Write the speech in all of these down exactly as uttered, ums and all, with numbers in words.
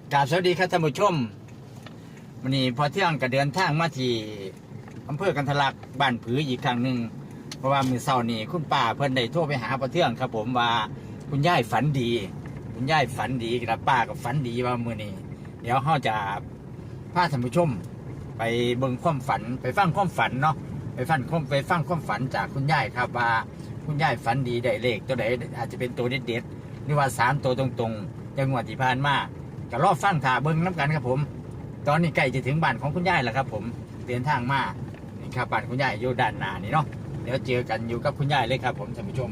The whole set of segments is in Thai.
กราบสวัสดีครับท่านผู้ชมวันนี้พอเที่ยงก็เดินทางมาที่อำเภอกันทะลักบ้านผืออีกครั้งหนึ่งเพราะว่ามือเช้านี้คุณป้าเพิ่นได้โทรไปหาพอเที่ยงครับผมว่าคุณยายฝันดี คุณยายฝันดีกับป้าก็ฝันดีว่ามื้อนี้เดี๋ยวเราจะพาท่านผู้ชม ไปเบิ่งความฝันไปฟังความฝันเนาะไปฟังความไปฟังความฝันจากคุณยายครับว่าคุณยายฝันดีได้เลขตัวไหนอาจจะเป็นตัวเด็ดๆหรือว่าสามตัวตรงๆอย่างงวดที่ผ่านมาก็รอฟังถ่าเบิ่งน้ำกันครับผมตอนนี้ใกล้จะถึงบ้านของคุณยายแล้วครับผมเดินทางมานี่ครับบ้านคุณยายอยู่ด้านหน้านี่เนาะเดี๋ยวเจอกันอยู่กับคุณยายเลยครับผมท่านผู้ชม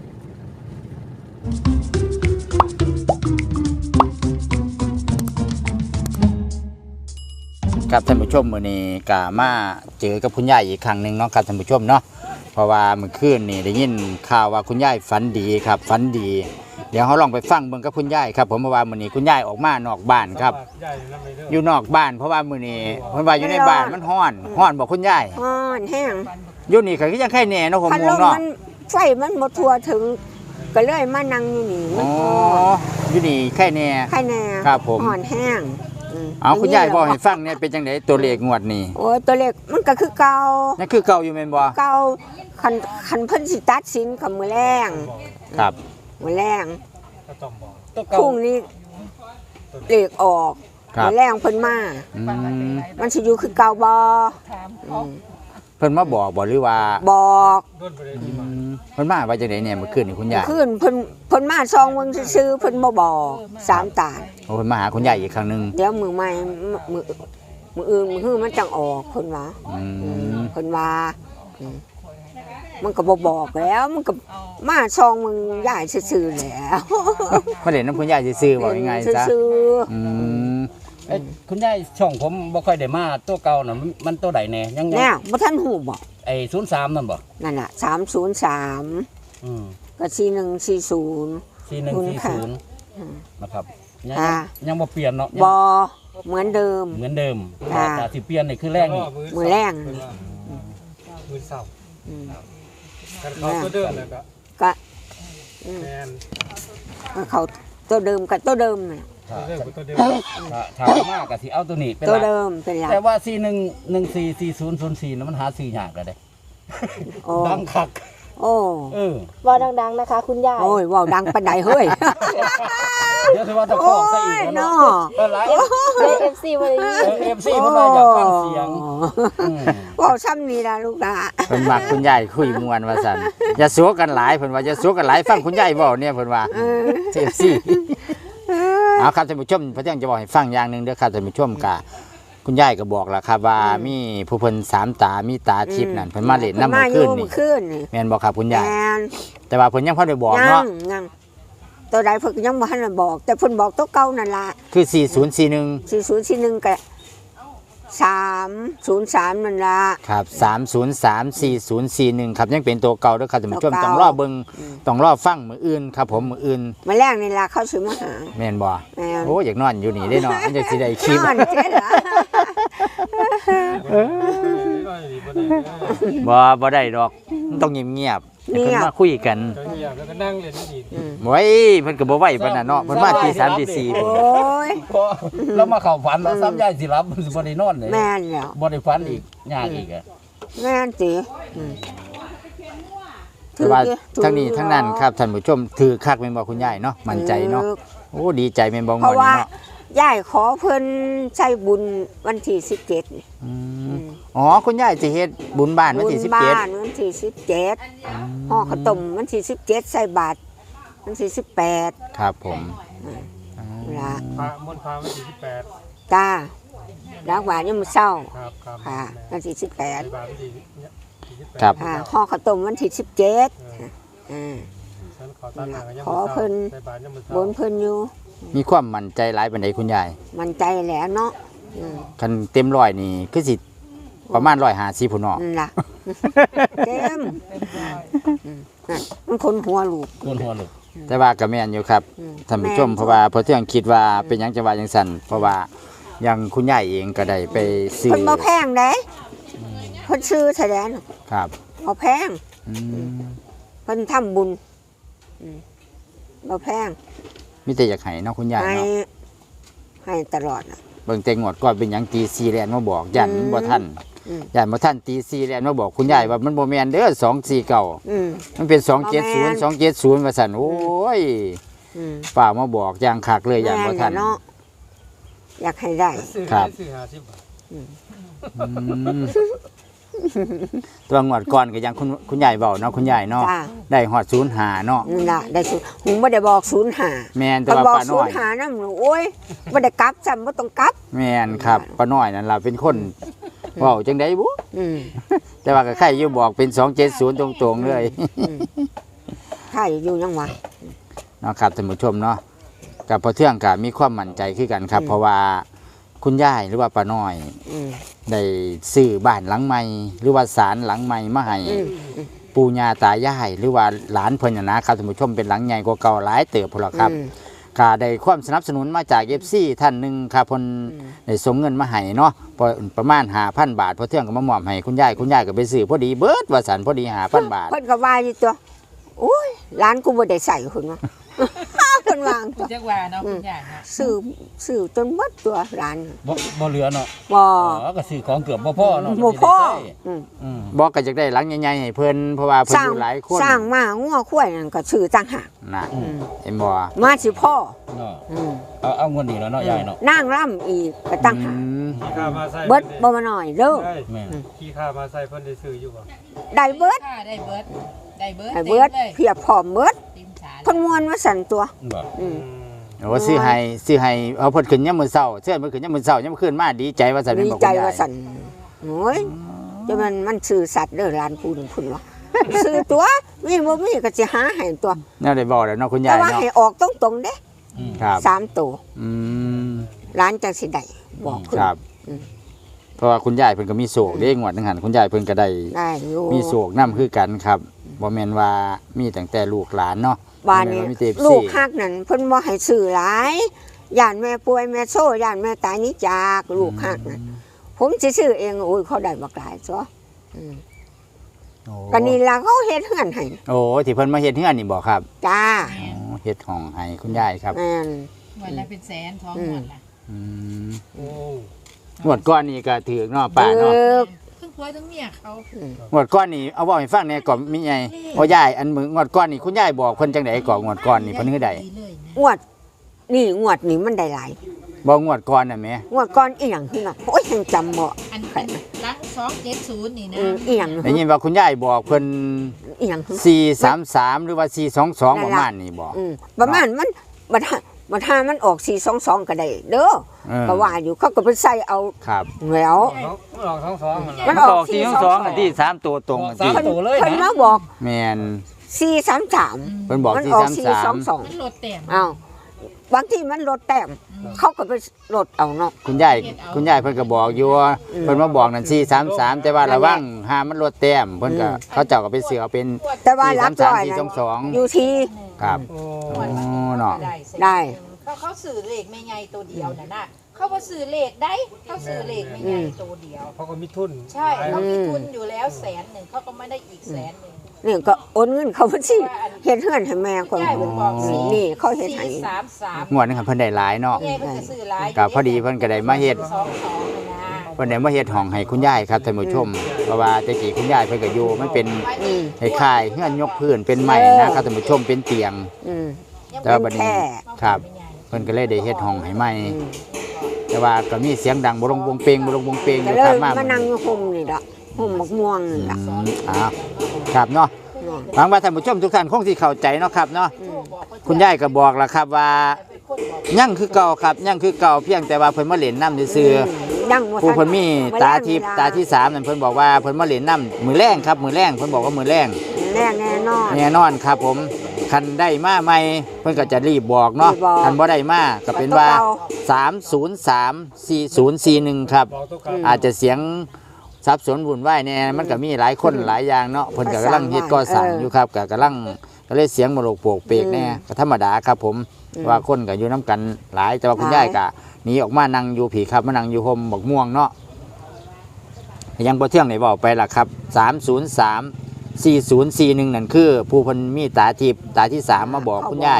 ครับท่านผู้ชมมื้อนี้ก็มาเจอกับคุณยายอีกครั้งหนึ่งเนาะครับท่านผู้ชมเนาะเพราะว่าเมื่อคืนนี่ได้ยินข่าวว่าคุณยายฝันดีครับฝันดีเดี๋ยวเขาลองไปฟังเบิ่งกับคุณยายครับผมเพราะว่ามื้อนี้คุณยายออกมานอกบ้านครับอยู่นอกบ้านเพราะว่ามื้อนี้เพิ่นว่าอยู่ในบ้านมันร้อนร้อนบอกคุณยายร้อนแห้งอยู่นี่ก็คือยังไข่แหน่เนาะผมมองเนาะไฟมันบ่ทั่วถึงก็เลยมานั่งอยู่นี่อ๋ออยู่นี่ไข่แหน่ไข่แหน่ครับผมร้อนแห้งเอาคุณยายบอกให้ฟังเนี่ยเป็นจังได๋ตัวเลขงวดนี้โอ้ยตัวเลขมันก็คือเก่านั่นคือเก่าอยู่แม่นบ่เก่าคันคันเพิ่นสิตัดสินกับมื้อแรงครับมื้อแรงก็ต้องบอกพรุ่งนี้เลขออกมื้อแรงเพิ่นมามันสิอยู่คือเก่าบ่เพิ่นมาบอกบ่หรือว่าบอกเพิ่นมาว่าจังได๋เนี่ยเมื่อคืนนี่คุณยายคืนเพิ่นเพิ่นมาซองเบิ่งซื่อๆเพิ่นบ่บอกสามตาโอ้เพิ่นมาหาคุณยายอีกครั้งนึงเดี๋ยวมื้อใหม่มื้อมื้ออื่นมื้อฮื้อมันจังออกเพิ่นว่าอืมเพิ่นว่ามันก็บ่บอกแล้วมันก็มาซองมึงยายซื่อๆแล้วมาเล่นน้ำคุณยายซื่อๆบอกยังไงจ๊ะซื่ออืมเอ้คุณยายช่องผมบ่ค่อยได้มาตัวเก่าน่ะมันตัวใดแน่ยังๆแน่บ่ทันฮู้บ่ไอ้ศูนย์สามนั่นบ่นั่นน่ะสามศูนย์สามอือก็สี่หนึ่งสี่ศูนย์สี่หนึ่งสี่ศูนย์อือนะครับยังยังบ่เปลี่ยนเนาะบ่เหมือนเดิมเหมือนเดิมแต่สิเปลี่ยนนี่คือแรงนี่มื้อแรงมื้อเช้าอืมกันเขาตัวเดิมแล้วก็ก็อืมแม่นเขาตัวเดิมกับตัวเดิมน่ะถามมากก็สิเอาตัวนี้เป็นตัวเดิมเป็นหลักแต่ว่าสี่หนึ่ง หนึ่งสี่ สี่ศูนย์ ศูนย์สี่นั้นมันหาซื้อยากแล้วเด้ดังคักโอ้เออว่าดังๆนะคะคุณยายโอ้ยว่าดังปานใดเฮ้ยเดี๋ยวสิว่าจะฟ้องซะอีกเนาะเออหลายเอฟซีบ่ได้ยินเอฟซีเพิ่นว่าอยากฟังเสียงว้าซ้ำนี่ล่ะลูกหลานเพิ่นมักคุณยายคุยม่วนว่าซั่นอย่าสัวกันหลายเพิ่นว่าอย่าสัวกันหลายฟังคุณยายเว้าเนี่ยเพิ่นว่าเอฟซีเอาครับท่านผู้ชมพระเจ้าจะบอกให้ฟังอย่างหนึ่งเด้อครับท่านผู้ชมกะคุณยายก็บอกแล้วครับว่ามีผู้เพิ่นสามตามีตาทิพย์นั่นเพิ่นมาเล่นน้ำเมื่อคืนนี่แม่นบอกครับคุณยายแต่ว่าเพิ่นยังบ่ได้บอกเนาะยังตัวใดเพิ่นยังบ่ทันได้บอกแต่เพิ่นบอกตัวเก่านั่นล่ะคือสี่ศูนย์สี่หนึ่งสี่ศูนย์สี่หนึ่งก็สามศูนย์สามนั่นล่ะครับสามศูนย์สาม สี่ศูนย์สี่หนึ่งครับยังเป็นตัวเก่าเด้อครับท่านผู้ชมต้องรอเบิ่งต้องรอฟังมื้ออื่นครับผมมื้ออื่นมื้อแรกนี่ล่ะเขาสิมาหาแม่นบ่โอ้อยากนอนอยู่นี่ได้เนาะมันจะสิได้คลิปนอนเจ๊ล่ะบ่บ่ได้ดอกมันต้องเงียบๆเพิ่นมาคุยกันเงียบแล้วก็นั่งเล่นนี่โอ้ยเพิ่นก็บ่ไหวปานนั้นเนาะเพิ่นมาตีสามตีสี่โอ้ยแล้วมาเข้าฝันแล้วซ้ำยายสิหลับมันสิบ่ได้นอนเลยแม่นแล้วบ่ได้ฝันอีกยากอีกอ่ะแม่นติถือว่าทั้งนี้ทั้งนั้นครับท่านผู้ชมถือคักแม่นบ่คุณยายเนาะมั่นใจเนาะโอ้ดีใจแม่นบ่งอนเนาะยายขอเพิ่นใช้บุญวันที่สิบเจ็ดอืมอ๋อคุณยายสิเฮ็ดบุญบ้านวันที่สิบเจ็ดบุญบ้านวันที่สิบเจ็ดห่อข้าวต้มวันที่สิบเจ็ดใส่บาตรวันที่สิบแปดครับผมล่ะพระมนต์พระวันที่สิบแปดจ้ารักหวานยามมื้อเช้าครับครับค่ะวันที่สิบแปดครับค่ะห่อข้าวต้มวันที่สิบเจ็ดอ่าขอเพิ่นบนเพิ่นอยู่มีความมั่นใจหลายปานใดคุณยายมั่นใจแหละเนาะคันเต็มร้อยนี่คือสิประมาณหนึ่งร้อยห้าสิบพุ่นเนาะนั่นล่ะเต็มมันคนหัวลูกคนหัวลูกแต่ว่าก็แม่นอยู่ครับท่านผู้ชมเพราะว่าพอเที่ยงคิดว่าเป็นหยังจังว่าจังซั่นเพราะว่าอย่างคุณยายเองก็ได้ไปซื้อเพิ่นบ่แพงเด้เพิ่นซื้อแสดงครับบ่แพงเพิ่นทำบุญบ่แพงมีแต่อยากให้เนาะคุณยายเนาะให้ตลอดน่ะเบิ่งแต่งวดก่อนเป็นหยังตีสี่แลนมาบอกยันมันบ่ทันอืมยันบ่ทันตีสี่แลนมาบอกคุณยายว่ามันบ่แม่นเด้อสองสี่เก้าอืมมันเป็นสองบ่เจ็ดแม่ศูนย์นสองเจ็ดศูนย์ว่าซั่นโอ้ยอืมป้ามาบอกอย่างคักเลยยันบ่ทันแม่เนาะอยากให้ได้ซื้อครัให้บซื้อห้าสิบบาทอืมตัวงวดก่อนก็ยังคุณคุณยายเว้าเนาะคุณยายเนาะจ้าได้ฮอดศูนย์ห้าเนาะนั่นล่ะได้ศูนย์หูบ่ได้บอกศูนย์หาแม่นแต่คันว่าบอกป้าศูน้อน ยย์หานํโอ้ยบ่ได้กลับซ้ำบ่ต้องกลับแม่นครับป้าน้อยนั่นล่ะเป็นคนเว้าจังได๋บุอืมแต่ว่าก็ใครอยู่บอกเป็นสองเจ็ดศูนย์ตรงๆเลยใช่อยู่ยังวะเนาะครับท่านผู้ชมเนาะกับพอเทื่องก็มีความมั่นใจคือกันครับอืมเพราะว่าคุณยายหรือว่าป้าน้อยอืมได้ซื้อบ้านหลังใหม่หรือว่าศาลหลังใหม่มาให้อืมปู่ย่าตายายหรือว่าหลานเพิ่นน่ะนะครับท่านผู้ชมเป็นหลังใหญ่กว่าเก่าหลายเติบพุ่นล่ะครับอืมก็ได้ความสนับสนุนมาจาก เอฟ ซี ท่านหนึงครับเพิ่นอืมได้ส่งเงินมาให้เนาะพอประมาณ ห้าพัน บาทพอเทื่องก็มามอบให้คุณยายคุณยายก็ไปซื้อพอดีเบิดว่าสันพอดี ห้าพัน บาทเพิ่นก็ว่าอยู่ตัวโอ้ยร้านกูบ่ได้ใส่คุณวะ เพิ่นวางตัวจักว่าเนาะคุณยายเนาะซื้อซื้อจนหมดตัวร้านบ่บ่เหลือเนาะบ่อ๋อก็ซื้อของเกือบบ่พอเนาะบ่พอมันสิได้ใช้อืมอืมบอกก็จะได้หลังใหญ่ๆให้เพิ่นเพราะว่าเพิ่นสร้าอง ยู่หลายคนสร้างมางัวควายนั่นก็ซื้อต่างหากน่ะอืมเห็นบ่มาสิพ่อเนาะอืมเอาเอางวดนี้แล้วเนาะยายเนาะนางร่ำอีกก็ต่างหากอืมขี้ข้ามาใส่เบิดบ่มาหน่อยเด้อได้แม่นขี้ข้ามาใส่เพิ่นได้ซื้ออยู่บ่ได้เบิดค่ะได้เบิดได้เบิดได้เบิดต็มเลยเพียบพร้อมเบิดเต็มฉาเพิ่นม่วนมาสั่นตัวบ่อืมโอ้ซื้อให้ซื้อให้เอาเพิ่นขึ้นยามมื้อเช้าเชื่อเพิ่นขึ้นยามมื้อเช้ายามมื้อคืนมาดีใจว่าซั่นแม่นดีบ่ใจคุณยาว่าย สั่นโอ้ยจะมันมันซื้อสัตว์เด้อร้านพูนพุ่นวะ ซื้อตัวมีบ่มีก็สิหาให้ตัวแน่ได้บอกแล้วเนาะคุณแต่ยายว่าเนาะให้ออกตรงๆเด้อืมครับสามตัวอืมร้านจังสิได้บอกเพิ่นครับอืมเพราะว่าคุณยายเพิ่นก็มีโศกเด้งวดหนึงหันคุณยายเพิ่นก็ได้ได้อยู่มีโศกนํคือกันครับบ่แม่นว่ามีตั้งแต่ลูกหลานเนาะบ้านนี้บ่แม่ว่มีแต่ลูกเอฟซีฮักนั่นเพิ่นบ่ให้ซื้อหลายย่านแม่ป่วยแม่โซ่ย่านแม่ตายหนี้จากลูกฮักนั่นผมสิซื้อเองโอ้ยเขาได้บักหลายซะอืมโอ้ก็นี่ล่ะเขาเฮ็ดเฮือนให้โอ้ที่เพิ่นมาเฮ็ดเฮือนนี่บ่ครับจ้าอ๋อเฮ็ดห้องให้คุณยายครับแม่นวันละเป็นแสนท้องอืมหมดละอืมโอ้งวดก้อนนี่ก็ถือเนาะป้าเอเนาะอทั้งผัวทั้งเมียเขางวดก้อนนี่เอาเว้าให้ฟังแหน่ก่อนมีไงโอ้ยายอันมืองวดก้อนนี่คุณยายบอกเพิ่นจังได๋ก่อนงวดก้อนนี่เพิ่นคือใดดีเลยนะงวด นี่งวดนี้มันได้หลายบ่งวดก่อนน่ะแหมงวดก่อนอีหยังคือน่ะโอ้ยยังจำบ่อันอันหลังสองเจ็ดศูนย์นี่นะอืมอีหยังได้ยินว่าคุณยายบอกเพิ่นอีหยังคือสี่สามสามหรือว่าสี่สองสองนั่ปนระล่ะมาณนี้บ่อืมประมาณมันบัดหาบัดหามันออกสี่สองสองก็ได้เด้อเออก็ว่าอยู่เขาก็ไปใส่เอาครับแล้วมันออกทั้งสองมันมันมันออออก กสี่สองสองอันที่สามตัวตรงอันสาที่มตัวเลยเพิ่นนะมาบอกแม่นสี่สามสามเพิ่นบอกมันสี่ออกสามสี่สาสอมงสองมันลดแต้มอ้าวบางทีมันลดแต้มเขาก็ไปลดเอาเนาะคุณยายคุณยายเพิ่นก็บอกอยู่ว่าอืมเพิ่นมาบอกนั่นสี่สามสามแต่ว่าระวังหามันลดแต้มเพิ่นก็อืมเขาเจ้าก็ไปเสือเอาเป็นแต่ว่าสี่รัสาบมสามร้อยสี่นะสองสองอยู่ที่ครับโอ้โอ้เนาะได้เขาเขาสื่อเลขไม่ไงตัวเดียวน่ะนะเขาว่าสื่อเลขได้เขาสื่อเลขไม่ไงตัวเดียวเขาก็มีทุนใช่เขามีทุนอยู่แล้วแสนหนึ่งเขาก็ไม่ได้อีกแสนหนึ่งนี่ก็โอนเงินเขาบัญชีเฮ็ดเฮือนให้แม่คนยายเพิ่นบอกสี่นี่เขาเฮ็ดให้สี่สามสามงวดนึงเพิ่นได้หลายเนาะยายเพิ่นจะซื้อหลายก็พอดีเพิ่นก็ได้มาเฮ็ดสองสองน่ะนะเพิ่นได้มาเฮ็ดห้องให้คุณยายครับท่านผู้ชมเพราะว่าแต่กี้คุณยายเพิ่นก็อยู่มันเป็นอืมคล้ายๆเฮือนยกพื้นเป็นไม้นะครับท่านผู้ชมเป็นเตียงอืมแต่ว่าบัดนี้แค่ครับเพิ่นก็เลยได้เฮ็ดห้องให้ใหม่อืมแต่ว่าก็มีเสียงดังบ่ลงวงเปงบ่ลงวงเปงอก็ยู่เลครับยมามานั่งอยู่ห่มนี่ล่ะห่มบักม่วงนี่ล่ะอืมอ้าวครับเนาะหวังว่าท่านผู้ชมทุกท่านคงสิเข้าใจเนาะครับเนาะคุณยายก็บอกแล้วครับว่ายังคือเก่าครับยังคือเก่าเพียงแต่ว่าเพิ่นมาเล่นน้ำซื่อยังบ่ๆผู้ทัเพิ่นมีบ่ตาแลงทิพย์เวลตาที่สามนั่นเพิ่นบอกว่าเพิ่นมาเล่นน้ำมือแรงครับมือแรงเพิ่นบอกว่ามือแรงแน่แน่นอนแน่นอนครับผมคันได้มาใหม่เพิ่นก็จะรีบบอกเนาะรีบบอกคันบ่ได้มาก็เป็นว่าตัวเก่สามศูนย์สามสี่ศูนย์สี่หนึ่งครับบอกตัวกลางอาจจะเสียงสับสนวุ่นวายแน่มันก็มีหลายคนหลายอย่างเนาะเพิ่นก็กำลังเฮ็ดก่อสร้างอยู่ครับก็กำลังก็เลยเสียงมโลกโปกเปกแน่ก็ธรรมดาครับผมว่าคนก็อยู่น้กันหลายแต่ว่าคุณยายก็หนีออกมานั่งอยู่ผีครับมานั่งอยู่ห่มบักม่วงเนาะยังบ่เที่ยงได้บอกไปล่ะครับสามศูนย์สาม สี่ศูนย์สี่หนึ่งนั่นคือผู้เพิ่นมีตาทิพย์ตาที่สามมาบอกคุณยาย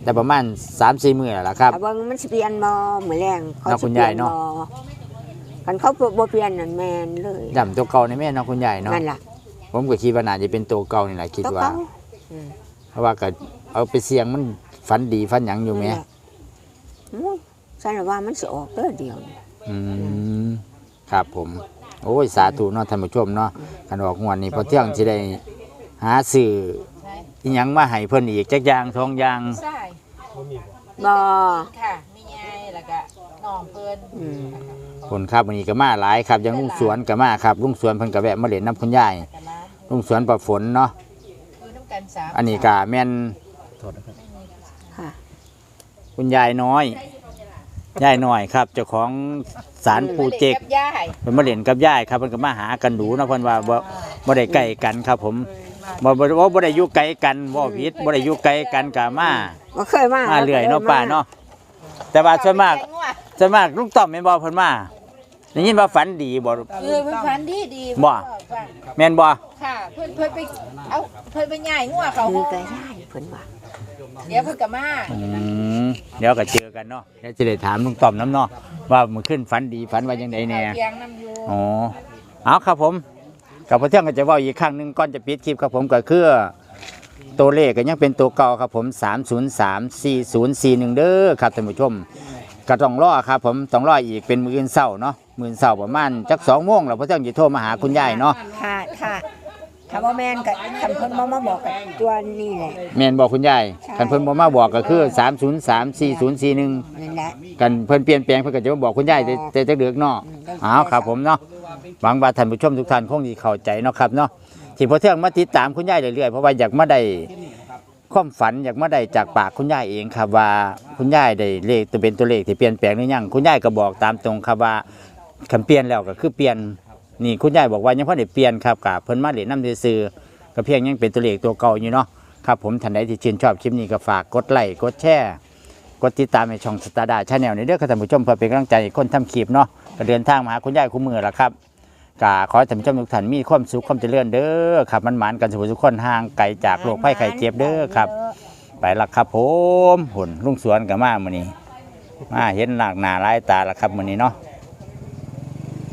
แต่ประมาณ สามสี่ มื้อแล้วล่ะครับถ้าเบิ่งมันสิเปลี่ยนบ่มื้อแรงเขาเนาะสิคุณเปลี่ยายยนเนาะบ่คันเขาบ่เปลี่ยนนั่นแม่นเลยย่ำตัวเก่าในแม่เนาะคุณยายเนาะนั่นล่ะผมก็คิดว่าน่าจะเป็นตัวเก่านี่แหละคิดตัวว่าเก่าอืมเพราะว่าก็เอาไปเสี่ยงมันฝันดีฝันหยังอยู่แหมนั่นล่ะโอ้ยฉันว่ามันสิออกเด้อเดียวนี่อืมครับผม โอ้ยสาธุเนาะท่านผู้ชมเนาะคันออกงวดนี้พอเที่ยงสิได้หาซื้อใช่อีหยังมาให้เพิ่นอีกจักอย่างสองอย่างใช่บ่มีบ่บ่ค่ะไม่ใหญ่แล้วก็น้องเพิ่นอืมคนครับวันนี้ก็มาหลายครับอยังลุงสวนก็มาครับลุงสวนเพิ่นก็แวะมาเล่นน้ำคุณยายแต่ร้านลุงสวนประฝนเนาะคือน้ำกันสามอันนี้ก็แม่นโทษนะครับค่ะคุณยายน้อยยายน้อยครับเจ้าของศาลปู่เจกกับย่ายเพิ่นมาเล่นกับยายครับเพิ่นก็มาหากันดูเนาะเพิ่นว่าบ่บ่ได้ใกล้กันครับผมบ่บ่บ่บ่ได้อยู่ไกลกันบ่ผิดบ่ได้อยู่ไกลกันก็มาบ่เคยมามาเรื่อยเนาะป้าเนาะแต่ว่าส่วนมากส่วนมากลุงต้อมแม่นบ่เพิ่นมาได้ยินว่าฝันดีบ่เออเพิ่นฝันดีดีบ่ แม่นบ่ค่ะเพิ่นเพิ่นไปเอาเพิ่นไปย่ายงัวเขาคือก็ได้เพิ่นว่าเดี๋ยวเพิ่นก็มาอืมเดี๋ยวก็เจอกันเนาะเดี๋ยวจะได้ถามลุงต้อมน้ำเนาะว่ามันขึ้นฝันดีฝันว่าจังไดแน่เลี้ยงน้ำอยู่อ๋อเอาครับผมกับพระเที่ยงก็จะเว่าอีกครั้งหนึงก่อนจะปิดคลิปครับผมก็คือตัวเลขก็ยังเป็นตัวเก่าครับผมสาม ศูนย์ สาม สี่ ศูนย์ สี่ หนึ่งเด้อครับท่านผู้ชมก็ต้องรอครับผมต้องรออีกเป็นมื้ออื่นเช้าเนาะมื้ออื่นเช้าประมาณจักสองโมงแล้วพระเที่ยงจะโทรมาหาคุณยายเนาะค่ะค่ะถ้าบ่แม่นก็คันเพิ่นบ่มาบอกกับตัวนี้แหละแม่นบอกคุณยายใช่คันเพิ่นบ่มาบอกก็คือสาม ศูนย์ สาม สี่ ศูนย์ สี่ หนึ่งนั่นแหละกันเพิ่นเปลี่ยนแปลงเพิ่นก็จะมาบอกคุณยายแต่แต่จักเดือกเนาะอืมได้เอาครับผมเนาะหวังว่าท่านผู้ชมทุกท่านคงสิเข้าใจเนาะครับเนาะที่พอเที่ยงมาติดตามคุณยายเรื่อยๆเพราะว่าอยากมาได้ความฝันอยากมาได้จากปากคุณยายเองครับว่าคุณยายได้เลขตัวเป็นตัวเลขที่เปลี่ยนแปลงหรือยังคุณยายก็บอกตามตรงครับว่าคันเปลี่ยนแล้วก็คือเปลี่ยนนี่คุณยายบอกว่ายังพอได้เปลี่ยนครับกับเพิ่นมาเล่นน้ำซื่อๆก็เพียงยังเป็นตัวเลขตัวเก่าอยู่เนาะครับผมท่านใดที่ชื่นชอบคลิปนี้ก็ฝากกดไลค์กดแชร์กดติดตามในช่องสตาร์ดาชาแนลในเด้อครับท่านผู้ชมเพื่อเป็นกำลังใจให้คนทำคลิปเนาะก็เดินทางมาหาคุณยายคู่มือละครับกาขอให้ท่านผู้ชมทุกท่านมีความสุขความเจริญเด้อครับมันหมานกันสุขทุกคนห่างไกลจากโรคภัยไข้เจ็บเด้อครับไปละครับผมหุ่นลุงสวนกับมามื้อนี้มาเห็นหลากหน้าหลายตาละครับมื้อนี้เนาะ